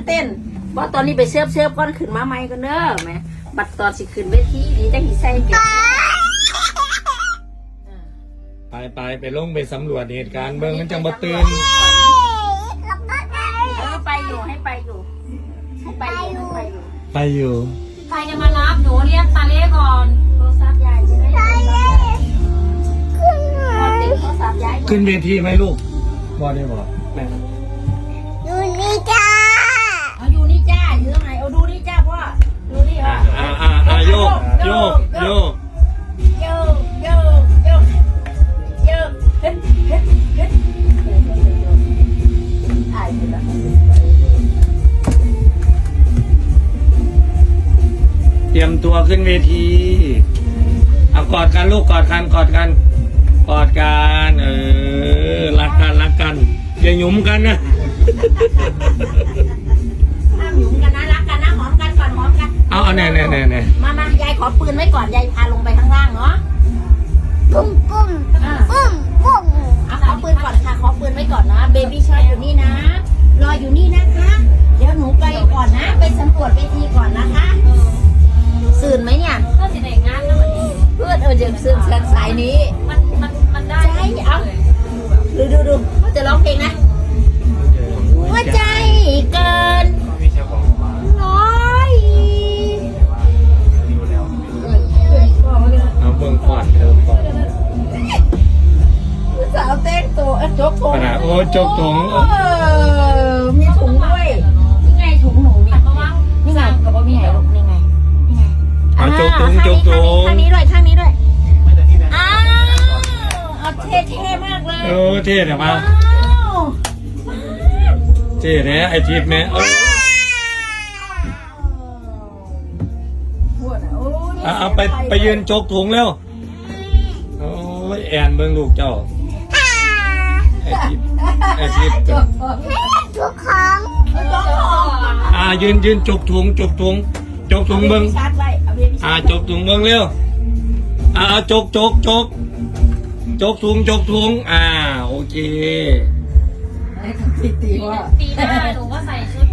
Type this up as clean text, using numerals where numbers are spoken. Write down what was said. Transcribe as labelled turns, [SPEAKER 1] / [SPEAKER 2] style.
[SPEAKER 1] เต้นว่าตอนนี้ไปเสื้อก้อนขึ้นมาใหม่กันเด้อแม่บัดตอนสิขึ้นเวทีนี่จะหิใส่เก็บ
[SPEAKER 2] ไปลงไปสำรวจเหตุการณ์เบิ่งมันจังบ่ตื่น
[SPEAKER 1] ไปอยู่ให้ไปอยู่ไปอยู่
[SPEAKER 3] ใครจะมารับหนูเรียกตาเล่ก่อน
[SPEAKER 1] โทรศัพท์ยายจะได้ติดโทรศัพท์ยาย
[SPEAKER 2] ขึ้นเวทีไหมลูกบ่ได้บ่แม่
[SPEAKER 1] อยู่นี่จ้าอยู่ตรงไหนเอาดูนี่จ้าพ่อดูนี่พ่อ
[SPEAKER 2] โยกเตรียมตัวขึ้นเวทีเอากอดกันลูกกอดกันรักกันอย่าหยุมกันนะ
[SPEAKER 1] ห้ามหยุมกันนะรักกันนะหอมกันก่อนหอมกัน
[SPEAKER 2] เอาแน่
[SPEAKER 1] มายายขอปืนไว้ก่อนยายพาลงไปข้างล่างเนาะปุ้มเอาขอปืนก่อนค่ะขอปืนไว้ก่อนนะเบบี้ชอยอยู่นี่นะรออยู่นี่นะคะเดี๋ยวหนูไปก่อนนะไปสำรวจเวทีก่อนนะคะสื่นไหมเนี่ย
[SPEAKER 3] ก็จะได้งานแล้ววันนี้
[SPEAKER 1] เพื่อนเดี๋ยวสื่นสายนี้
[SPEAKER 3] มันได้
[SPEAKER 1] ใช่เอาดูจะร้องเพลงนะหัวใจเกินร้อย
[SPEAKER 2] เอาเบิ่งก่อน
[SPEAKER 1] สาวเต้นตัวจกถุง
[SPEAKER 2] โอ้จกถุง
[SPEAKER 1] มีถุงด้วยนี่ไงถุงหนูนี่นี่ไงกับว่ามีไหนลูกนี่ไง
[SPEAKER 2] เอาจกถุง
[SPEAKER 1] ข้างนี้ด้วยอ้าวเอาเท่มากเลย
[SPEAKER 2] เท่แต่ว่าเท่เนี่ยไอทิพย์เนี่ยเอาไปยืนจกถุงแล้วโอ้ยแอนเบิ่งลูกเจ้าไอทิพย์
[SPEAKER 1] ทุกครั้ง
[SPEAKER 2] ยืนจกถุงเบิ่งจกถุงเบิ่งเร็วจกถุงโอเค
[SPEAKER 3] ปีหน้าหนูก็ใส่ชุด